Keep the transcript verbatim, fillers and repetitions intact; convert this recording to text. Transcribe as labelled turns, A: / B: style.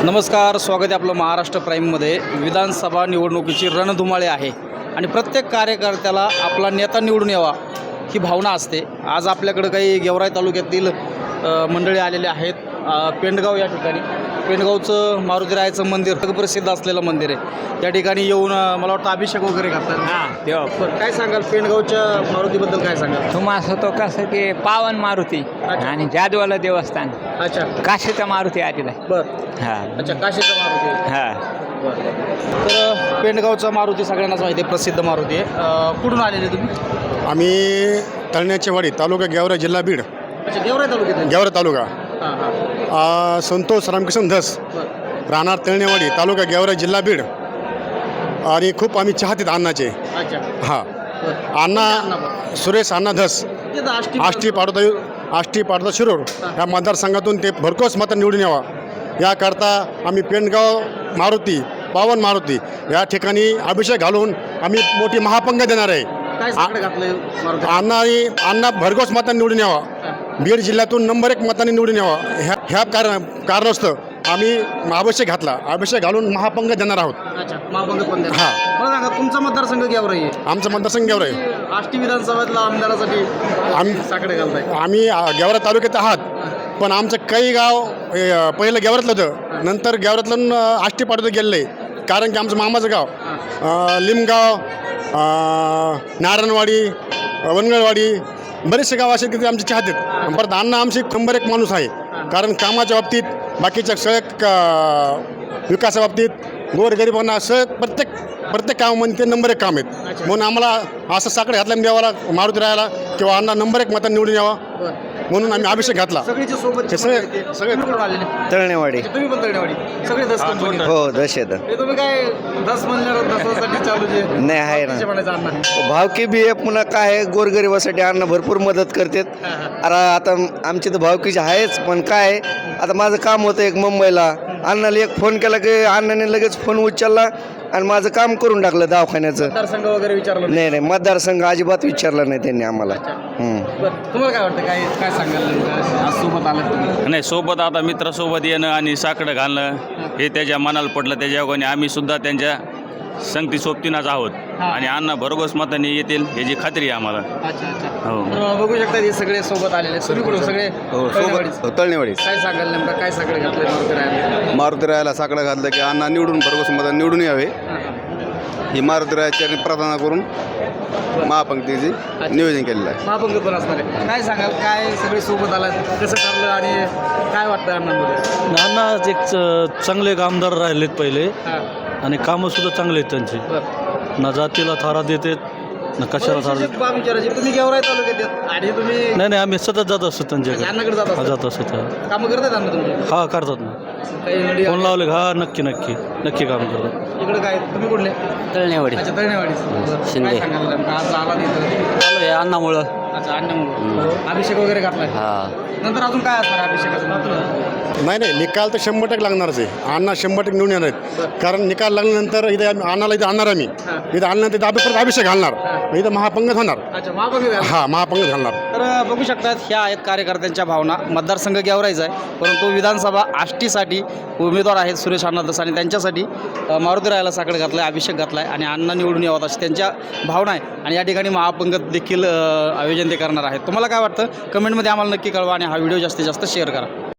A: नमस्कार, स्वागत आहे आपलं महाराष्ट्र प्राईममध्ये। विधानसभा निवडणुकीची रणधुमाळी आहे आणि प्रत्येक कार्यकर्त्याला आपला नेता निवडून यावा ही भावना असते। आज आपल्याकडे काही गेवराई तालुक्यातील मंडळी आलेले आहेत। पेंडगाव या ठिकाणी पेंडगावचं मारुतीरायाचं मंदिर प्रसिद्ध असलेलं मंदिर आहे। त्या ठिकाणी येऊन मला वाटतं अभिषेक वगैरे करतात।
B: हां तेव्हा
A: काय सांगाल पेंडगावच्या मारुतीबद्दल काय सांगाल?
B: तुम्हाला तो कसं की पावन मारुती आणि जादवाला देवस्थान।
A: अच्छा,
B: काशीचा मारुती आलेला आहे।
A: बरं,
B: हां
A: अच्छा, काशीचा मारुती।
B: हां
A: तर पेंडगावचा मारुती सगळ्यांनाच माहिती आहे, प्रसिद्ध मारुती आहे। कुठून आलेले तुम्ही?
C: आम्ही तळण्याची वाडी, तालुका गेवराई, जिल्हा बीड।
A: अच्छा, गेवराई तालुक्यात?
C: गेवराई तालुका।
A: हां हां,
C: आ, संतोष रामकृष्ण धस, राहणार तळणेवाडी, तालुका गेवराई, जिल्हा बीड। आणि खूप आम्ही चाहतेत अण्णाचे।
A: अच्छा,
C: हां,
A: बरं.
C: अण्णा सुरेश अण्णा धस,
A: तिथं आष्टी
C: आष्टी पाडोदा आष्टी पाडोदा शिरूर या मतदारसंघातून ते भरघोस मतं निवडून यावा याकरता आम्ही पेंडगाव मारुती, पावन मारुती या ठिकाणी अभिषेक घालून आम्ही मोठी महापंग देणार आहे।
A: काय साकडं घातलंय मारुती?
C: अण्णा आणि अण्णा भरघोस मतांनी निवडून यावा, बीड जिल्ह्यातून नंबर एक मतांनी निवडून यावा ह्या ह्या कारण कारणास्तव आम्ही अभिषेक घातला, अभिषेक घालून महापंग देणार आहोत।
A: अच्छा, महापंग पण द्या।
C: हां,
A: मला सांगा, तुमचा मतदारसंघ गेवराई आहे,
C: आमचं मतदारसंघ गेवराई।
A: आष्टी विधानसभेतल्या आमदारासाठी
C: आम्ही
A: साकडे घालताय?
C: आम्ही गेवराई तालुक्यात आहात, पण आमचं काही गाव अ, पहिलं गेवरातलं होतं, नंतर गेवरातलं आष्टी पाडोदा गेलेलं आहे। कारण की आमचं मामाचं गाव अ, लिमगाव, अ, नारायणवाडी, वनगळवाडी, बरेचसे गाव असे तिथे आमचे चाहतेत। परत अण्णा आमचे नंबर एक माणूस आहे, कारण कामाच्या बाबतीत, बाकीच्या सगळ्या विकासा बाबतीत, गोरगरिबांना सगळं प्रत्येक प्रत्येक कामामध्ये ते नंबर एक काम आहेत। म्हणून आम्हाला असं साकडे घातलं द्यावाला मारुती राहायला किंवा अण्णा नंबर एक मतांनी निवडून यावा म्हणून आम्ही अभिषेक घातला।
A: सगळीच्या सोबत
C: हे सगळे सगळे
A: आलेले?
D: तळणेवाडी।
A: तुम्ही पण तळणेवाडी? सगळे दस कंपनी?
D: हो दश येतं.
A: हे तुम्ही काय दस म्हणल्यावर दसासाठी चालू जे
D: नाही आहे ना,
A: म्हणायचं अण्णा?
D: भावकी बी आहे, पुन्हा काय आहे, गोरगरिबासाठी अण्णा भरपूर मदत करतात। अरे आता आमची तर भावकीची आहेच, पण काय आहे, आता माझं काम होतं एक मुंबईला, अण्णाला एक फोन केला की अण्णाने लगेच फोन उचलला आणि माझं काम करून टाकलं दवाखान्याचं।
A: मतदारसंघ वगैरे विचारलं?
D: नाही नाही, मतदारसंघ अजिबात विचारला नाही त्यांनी आम्हाला। हम्म.
A: बरं, तुम्हाला काय वाटतं, काय काय सांगाल नेमकं? आज सोबत आलात तुम्ही?
E: नाही, सोबत आता मित्रासोबत येणं आणि साकडं घालणं हे त्याच्या मनाला पडलं, त्याच्या योगाने आम्ही सुद्धा त्यांच्या संगती सोबतीनंच आहोत आणि अण्णा भरघोस मतांनी येतील याची खात्री आहे आम्हाला।
A: अच्छा अच्छा,
E: हो.
A: तर बघू शकता हे सगळे सोबत आलेले तुम्ही कुठून? सगळे तळणेवाडीच?
F: तळणेवाडीच।
A: काय सांगाल नेमकं, काय साकडे घातले मारुती रायाला?
F: मारुती रायाला साकडं घातलं की अण्णा निवडून भरघोस मतांनी निवडून यावे ही मारुती रायाच्या प्रार्थना करून महापंक्तीचे नियोजन केलेलं आहे।
A: महापंग पण असणार आहे। काय सांगाल, काय सगळे सोबत आला, कसं ठरलं आणि काय वाटतं अण्णांमध्ये?
G: अण्णा एक च- चांगले आमदार राहिलेत पहिले
A: हां,
G: आणि कामंसुद्धा चांगले आहेत त्यांचे।
A: बरं.
G: ना जातीला थारा देतात ना कशाला थारा देतात।
A: बाब विचारायची, तुम्ही गेवराई तालुक्यात आहेत आणि तुम्ही
G: नाही नाही, आम्ही सतत जात असतो त्यांच्याकडे।
A: अण्णाकडे जात
G: हा,
A: असता?
G: जात असतो त्या
A: कामं करतात अण्णा तुमचे?
G: हा, करतात ना,
A: काही नडी
G: फोन लावले हा नक्की नक्की नक्की काम करतात।
A: इकडे काय, तुम्ही कुठले?
D: तळणेवाडी
A: अच्छा, तळणेवाडी।
D: शिंदे.
A: काय सांगाल नेमकं, आज आला तिथं?
D: चालू आहे अण्णामुळं।
A: अच्छा, अण्णामुळे अभिषेक वगैरे घातलाय?
D: हा,
A: नंतर अजून काय असणार अभिषेकाचं नंतर?
C: नाही नाही, निकाल तर शंभर टक्के लागणारच आहे। अण्णा शंभर टक्के निवडून येणार आहेत, कारण निकाल लागल्यानंतर इथे आम्ही अण्णाला इथे आणणार, आम्ही इथं आणल्यानंतर इथं परत अभिषेक घालणार, इथं महापंग होणार।
A: अच्छा, महापंग घाल.
C: हा, महापंग घालणार।
A: तर बघू शकतात, ह्या आहेत कार्यकर्त्यांच्या भावना। मतदारसंघ गेवराईचा आहे, परंतु विधानसभा आष्टीसाठी उमेदवार आहेत सुरेश अण्णा धस आणि त्यांच्यासाठी अ, मारुती रायाला साकडं घातलं आहे, अभिषेक घातला आहे आणि अण्णा निवडून यावं अशी त्यांच्या भावना आहे। आणि या ठिकाणी महापंग देखील अ, आयोजन ते करणार आहेत। तुम्हाला काय वाटतं कमेंटमध्ये आम्हाला नक्की कळवा आणि हा व्हिडिओ जास्तीत जास्त शेअर करा।